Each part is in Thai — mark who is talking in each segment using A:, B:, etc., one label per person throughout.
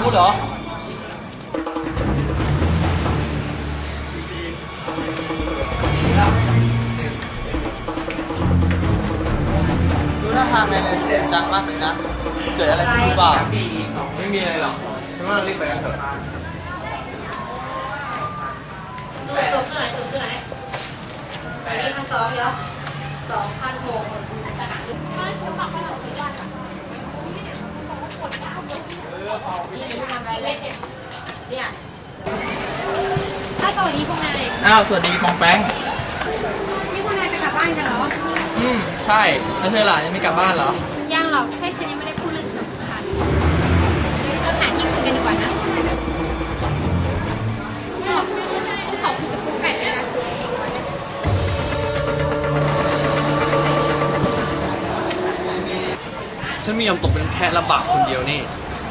A: กูเหรอดูหน้าทางนายเลยจริงจังมากเลยนะ เกิดอะไรขึ้นหรือเปล่าไม่มีอะไรหรอกฉันว่ารีบไปกันเถอะ
B: สูงขึ้นไหนอันนี้1,200แล้ว2,600สนามนี่จะปักไปหรอไม่ยากอ่ะนี่จะทำอะไรเลยเนี่ยสวัสดีพวกนาย
A: สวัสดีปองแป้ง
B: นี่พวกนายจะกลับบ้านกันเหรอ
A: ใช่แล้วเธอล่ะยังไม่กลับบ้านเหรอ
B: ยังหรอกแค่ฉันยังไม่ได้พูดเรื่องสำคัญเราหาที่คุยกันดีกว่านะฉันขอคุยกับกุ๊กไก่เป็นการส่วนตัวก่อน
A: ฉันไม่ยอมตกเป็นแพะระบาดคนเดียวนี่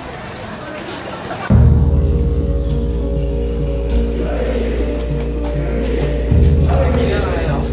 A: มีเรื่องอะไรเหรอ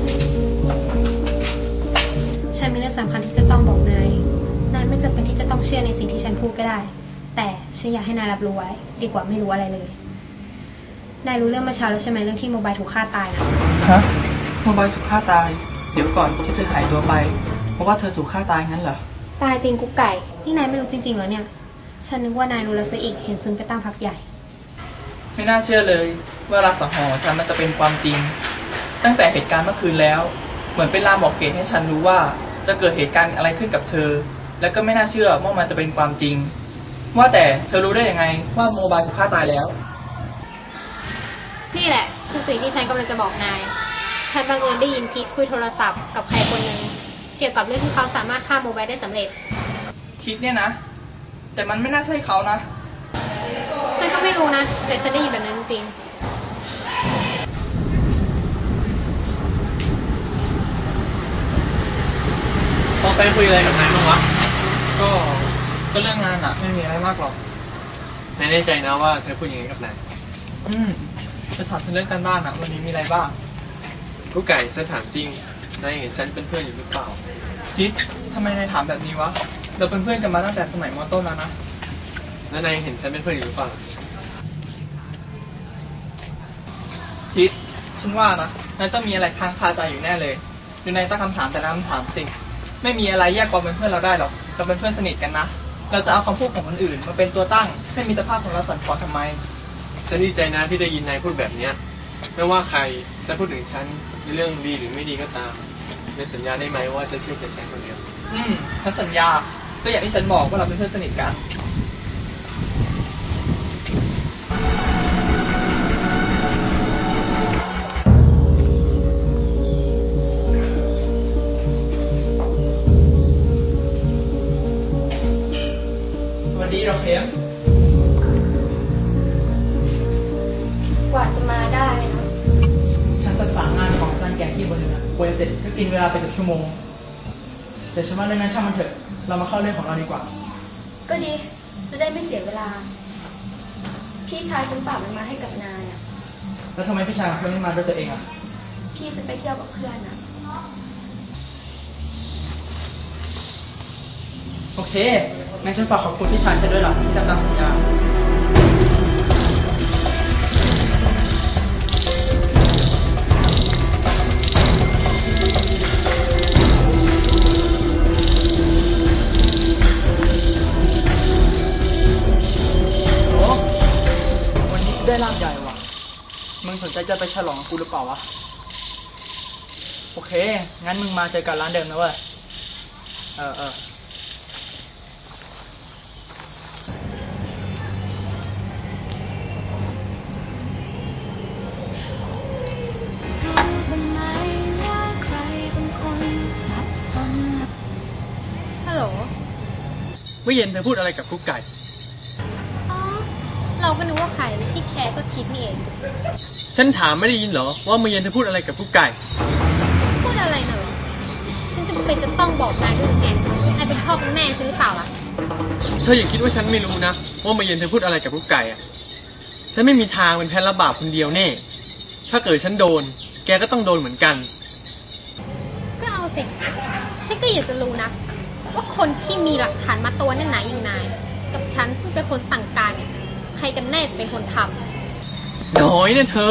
B: ฉันมีเรื่องสำคัญที่จะต้องบอกนายไม่จำเป็นที่จะต้องเชื่อในสิ่งที่ฉันพูดก็ได้ แต่ฉันอยากให้นายรับรู้ไว้ดีกว่าไม่รู้อะไรเลยนายรู้เรื่องเมื่อเช้าแล้วใช่ไหมเรื่องที่โมบายถูกฆ่าตายนะ
A: ฮะโมบายถูกฆ่าตายเดี๋ยวก่อนที่เธอหายตัวไปเพราะว่าเธอถูกฆ่าตายงั้นเหรอ
B: ตายจริงกุ๊กไก่นี่นายไม่รู้จริงๆเหรอเนี่ยฉันนึกว่านายรู้แล้วซะอีกเห็นซึมไปตั้งพักใหญ่
A: ไม่น่าเชื่อเลยว่ารักสังหรณ์ฉันมันจะเป็นความจริงตั้งแต่เหตุการณ์เมื่อคืนแล้วเหมือนเป็นลางบอกเหตุให้ฉันรู้ว่าจะเกิดเหตุการณ์อะไรขึ้นกับเธอแล้วก็ไม่น่าเชื่อว่ามันจะเป็นความจริงว่าแต่เธอรู้ได้ยังไงว่าโมบายถูกฆ่าตายแล้ว
B: นี่แหละคือสิ่งที่ฉันกำลังจะบอกนายฉันบังเอิญได้ยินทิศคุยโทรศัพท์กับใครคนหนึ่งเกี่ยวกับเรื่องที่เขาสามารถฆ่าโมบายได้สำเร็จ
A: ทิศเนี่ยนะแต่มันไม่น่าใช่เขานะ
B: ฉันก็ไม่รู้นะแต่ฉันได้ยินแบบนั้นจริง
A: พอไปคุยอะไรกับนายบ้างวะก็เรื่องงานอะไม่มีอะไรมากหรอกนายแน่ใจนะว่าเธอพูดอย่างนี้กับนายจะถามเรื่องการบ้านอะวันนี้มีอะไรบ้างกูไก่ฉันถามจริงนายเห็นฉันเป็นเพื่อนอยู่หรือเปล่าทิศทำไมนายถามแบบนี้วะเราเป็นเพื่อนกันมาตั้งแต่สมัยม.ต้นแล้วนะแล้วนายเห็นฉันเป็นเพื่อนอยู่หรือเปล่าทิศฉันว่านะนายต้องมีอะไรค้างคาใจอยู่แน่เลยดูนายตั้งคำถามแต่ละคำถามสิไม่มีอะไรแยกความเป็นเพื่อนเราได้หรอกเราเป็นเพื่อนสนิทกันนะเราจะเอาคำพูดของคนอื่นมาเป็นตัวตั้งให้มิตรภาพของเราสั่นคลอนทำไมฉันดีใจนะที่ได้ยินนายพูดแบบเนี้ยไม่ว่าใครจะพูดถึงฉันในเรื่องดีหรือไม่ดีก็ตามในสัญญาได้ไหมว่าจะเชื่อใจฉันคนเดียวฉันสัญญาก็อย่างที่ฉันบอกว่าเราเป็นเพื่อนสนิทกันดีเราเข้ม
B: กว่าจะมาได้นะ
A: ฉันประสานงานของอาจารย์แกที่บนนึงอะกว่าจะเสร็จก็กินเวลาไปเกือบชั่วโมงแต่ฉันว่าเรื่องนั้นช่างมันเถอะเรามาเข้าเรื่องของเราดีกว่า
B: ก็ดีจะได้ไม่เสียเวลาพี่ชายฉันฝากมันมาให้กับนายอ่ะ
A: แล้วทำไมพี่ชายของเธอไม่มาด้วยตัวเองอ่ะ
B: พี่ฉันไปเที่ยวกับเพื่อนอ่ะ
A: โอเคงั้นฉันฝากขอบคุณพี่ชายเธอด้วยล่ะที่ทำตามสัญญาวันนี้ได้ลาบใหญ่ว่ะมึงสนใจจะไปฉลองกับกูหรือเปล่าวะโอเคงั้นมึงมาเจอกันร้านเดิมนะเว้ย
B: ฮัลโหล
A: เมื่อเย็นเธอพูดอะไรกับกุ๊กไก่
B: เราก็นึกว่าใครที่แท้ก็ทิศนี่เอง
A: ฉันถามไม่ได้ยินเหรอว่าเมื่อเย็นเธอพูดอะไรกับกุ๊กไก่
B: พูดอะไรน่ะฉันจะเป็นจะต้องบอกนายด้วยไงนายเป็นพ่อเป็นแม่ฉันหรือเปล่าล่ะ
A: เธออย่าคิดว่าฉันไม่รู้นะว่าเมื่อเย็นเธอพูดอะไรกับกุ๊กไก่อะฉันไม่มีทางเป็นแพ้รับบาปคนเดียวแน่ถ้าเกิดฉันโดนแกก็ต้องโดนเหมือนกัน
B: ก็เอาสิฉันก็อยากจะรู้นะว่าคนที่มีหลักฐานมาตัวแน่นหนาอย่างนายกับฉันซึ่งเป็นคนสั่งการเนี่ยใครกันแน่จะเป็นคนท
A: น้อยเนี่ยเธอ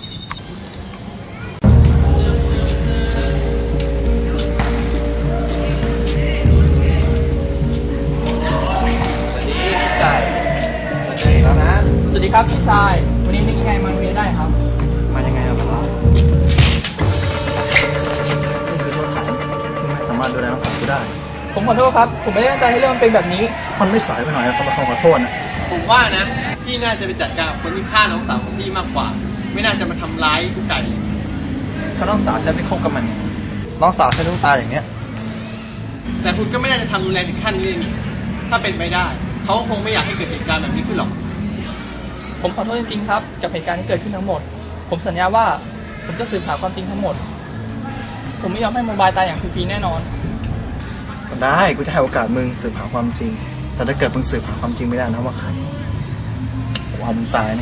C: แล้วนะ
A: สวัสดีครับพี่ชาย วันนี้นึกยังไงมาโรงเรียนได้ครับ
C: มายังไงอะครับนี่คือโทษฐานที่ไม่สามารถดูแลน้องสาวกูได้
A: ผมขอโทษครับ ผมไม่ได้ตั้งใจให้เรื่องมันเป็นแบบนี้
C: มันไม่สายไปหน่อยอะสำหรับคำขอโทษนะ
D: ผมว่านะ พี่น่าจะไปจัดการกับคนที่ฆ่าน้องสาวของพี่มากกว่า ไม่น่าจะมาทำร้ายกุ๊กไก่
A: ถ้าน้องสาวฉันไปคบกับมัน
C: น้องสาวฉันต้องตายอย่างเนี้ย
D: แต่คุณก็ไม่น่าจะทำรุนแรงถึงขั้นนี้เลยนี่ถ้าเป็นไปได้ เขาคงไม่อยากให้เกิดเหตุการณ์แบบนี้ขึ้นหรอก
A: ผมขอโทษจริงๆครับ กับเหตุการณ์ที่เกิดขึ้นทั้งหมด ผมสัญญาว่าผมจะสืบหาความจริงทั้งหมด ผมไม่ยอมให้โมบายตายอย่างฟรีๆแน่นอน
C: ก็ได้กูจะให้โอกาสมึงสืบหาความจริง แต่ถ้าเกิดมึงสืบหาความจริงไม่ได้นะว่าใครผมเอามึงตายแน่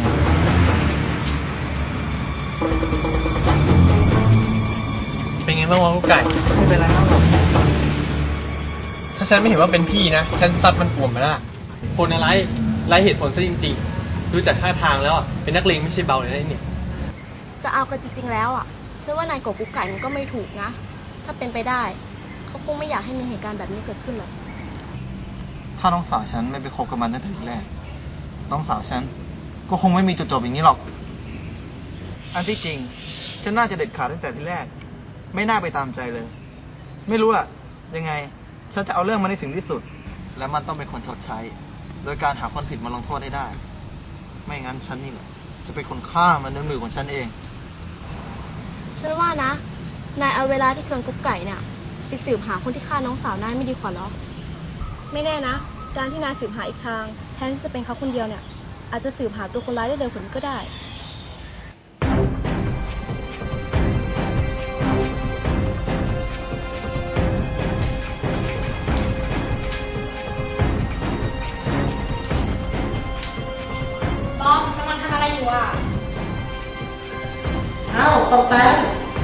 D: เป็นไงบ้างวะกุ๊กไก่
A: ไม่เป็นไรครับผม
D: ถ้าฉันไม่เห็นว่าเป็นพี่นะ ฉันซัดมันกลุ่มไปแล้วคนอะไรไร้เหตุผลซะจริงๆ ดูจากท่าทางแล้วอะเป็นนักเลงไม่ใช่เบาเลยนะเนี่ย
E: จะเอากันจริงๆแล้วอ่ะฉันว่านายกบกุ๊กไก่มันก็ไม่ถูกนะ ถ้าเป็นไปได้เขาคงไม่อยากให้มีเหตุการณ์แบบนี้เกิดขึ้นหรอก
C: ถ้าน้องสาวฉันไม่ไปคบกับมันตั้งแต่ทีแรก น้องสาวฉันก็คงไม่มีจุดจบอย่างนี้หรอก อันที่จริง ฉันน่าจะเด็ดขาดตั้งแต่ทีแรก ไม่น่าไปตามใจเลย ไม่รู้อะยังไง ฉันจะเอาเรื่องมันให้ถึงที่สุด และมันต้องเป็นคนชดใช้ โดยการหาคนผิดมาลงโทษให้ได้ ไม่งั้นฉันนี่แหละจะเป็นคนฆ่ามันด้วยมือของฉันเอง
E: ฉันว่านะ นายเอาเวลาที่เคืองกุ๊กไก่เนี่ยไปสืบหาคนที่ฆ่าน้องสาวนายไม่ดีกว่าหรอ ไม่แน่นะ การที่นายสืบหาอีกทาง แทนที่จะเป็นเขาคนเดียวเนี่ย อาจจะสืบหาตัวคนร้ายได้เร็วกว่านี้ก็ได้
B: ำบอมกำลังทำอะไรอยู่อ่ะ
F: อ้าวตองแป๊บ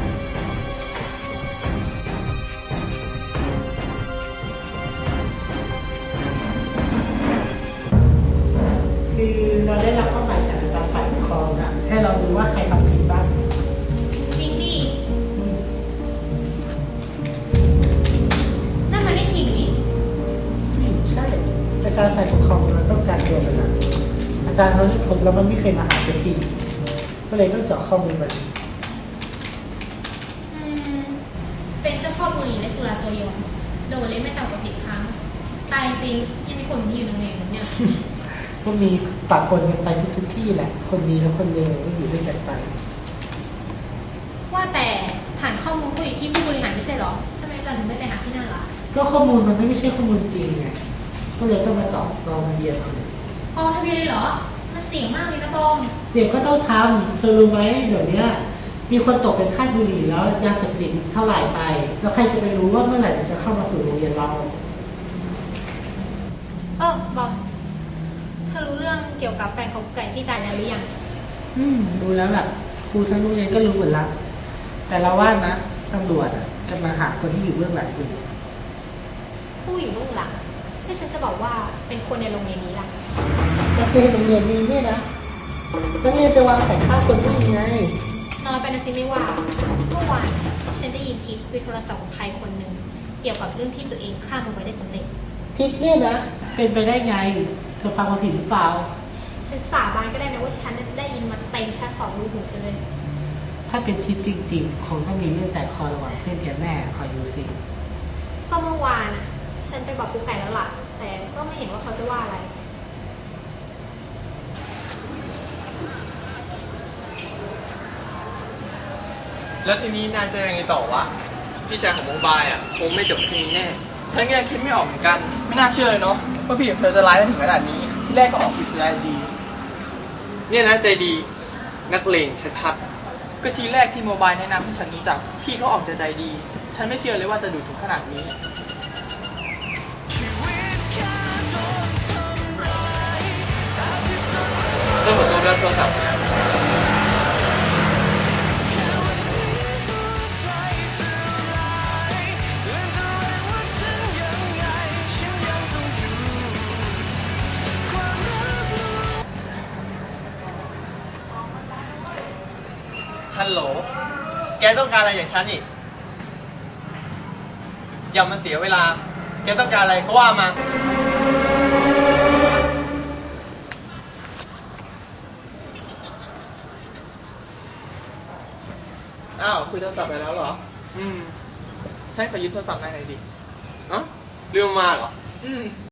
F: คือเราได้รับข้อหมายจากอาจารย์ฝ่ายปกครองนะให้เราดูว่าใครทำผิดบ้าง
B: จริงดินั่นมันได้ฉีกนี่
F: ใช่ อาจารย์ฝ่ายปกครองเราต้องการตัวมันนะอาจารย์เขาเรียกผมแล้วมันไม่เคยมาหาสักทีก็เลยต้องเจาะข้อมูลมัน
B: เป็นเจ้าพ่อบุหรี่และสุราตัวยงโดนเล่นไม่ต่ำกว่า10 ครั้ง ตายจริงยังมีคนที่อยู่ในโรงเรียนผมเนี่ย
F: ก็มีปะปนกันไปทุกที่แหละ คนดีและคนเลวก็อยู่ด้วยกันไป
B: ว่าแต่ฐานข้อมูลก็อยู่ที่ผู้บริหารไม่ใช่เหรอทำไมอาจารย์ถึงไม่ไปหาที่นั่นล่ะ
F: ก็ข้อมูลมันไม่ใช่ข้อมูลจริงไง ก็เลยต้องมาเจาะกองทะเบียนเอา
B: กองทะเบียนเลยเหรอ มันเสี่ยงมากเลยนะบอม
F: เสียงก็ต้องทำเธอรู้ไหมเดี๋ยวนี้มีคนตกเป็นทาสบุหรี่แล้วยาเสพติดเท่าไหร่ไป แล้วใครจะไปรู้ว่าเมื่อไหร่มันจะเข้ามาสู่โรงเรียนเรา
B: บอม เธอรู้เรื่องเกี่ยวกับแฟนของกุ๊กไก่ที่ตายแล้วหรือยัง
F: รู้แล้วล่ะ ครูทั้งโรงเรียนก็รู้หมดละแต่เราว่านะตำรวจกำลังหาคนที่อยู่เบื้องหลังอยู่
B: ผู้อยู่เบื้องหลังที่ฉันจะบอกว่าเป็นคนในโรงเรียนนี้ล่ะ
F: นักเรียนโรงเรียนนี้เนี่ยนะนักเรียนจะวางแผนฆ่าคนได้ยังไง
B: น้อยไปนะสิไม่ว่าเมื่อวานฉันได้ยินทิปวิโทรศัพท์ของใครคนหนึ่งเกี่ยวกับเรื่องที่ตัวเองฆ่ามันไว้ได้สำเร็จ
F: ทิศเนี่ยนะ เป็นไปได้ไง เธอฟังมาผิดหรือเปล่า
B: ฉันสาบานก็ได้นะว่าฉันได้ยินมาเต็มชาติ2 รูหูฉันเลย
F: ถ้าเป็นทิศจริง ๆ คงต้องมีเรื่องแต่คอระหว่างเพื่อนแกแน่คอยดูสิ
B: ก็เมื่อวานฉันไปบอกกุ๊กไก่แล้วล่ะ แต่ก็ไม่เห็นว่าเขาจะว่าอะไร
D: แล้วทีนี้นายจะยังไงต่อวะ พี่ชายของโมบายคงไม่จบแค่นี้แน่
A: ฉันก็ยังคิดไม่ออกเหมือนกัน ไม่น่าเชื่อเลยเนาะว่าพี่กับเธอจะร้ายได้ถึงขนาดนี้ ที่แรกก็ออกผิดใจดี
D: เนี่ยนะใจดีนักเลงชัด
A: ก็ทีแรกที่โมบายแนะนำให้ฉันรู้จัก พี่เขาออกใจดี ฉันไม่เชื่อเลยว่าจะดูถึงขนาดนี้
D: ๆฉันขอตัวรับโทรศัพท์นะ
C: น
D: ฮัลโหล แกต้องการอะไรจากฉันอีก อย่ามาเสียเวลา แกต้องการอะไรก็ว่ามา
A: อ้าวคุยโทรศัพท์ไปแล้วเหรอ
D: อืม
A: ฉันขอยืมโทรศัพท์นายหน่อยดิ
D: เอ้าลืมมาเหรอ
A: อืม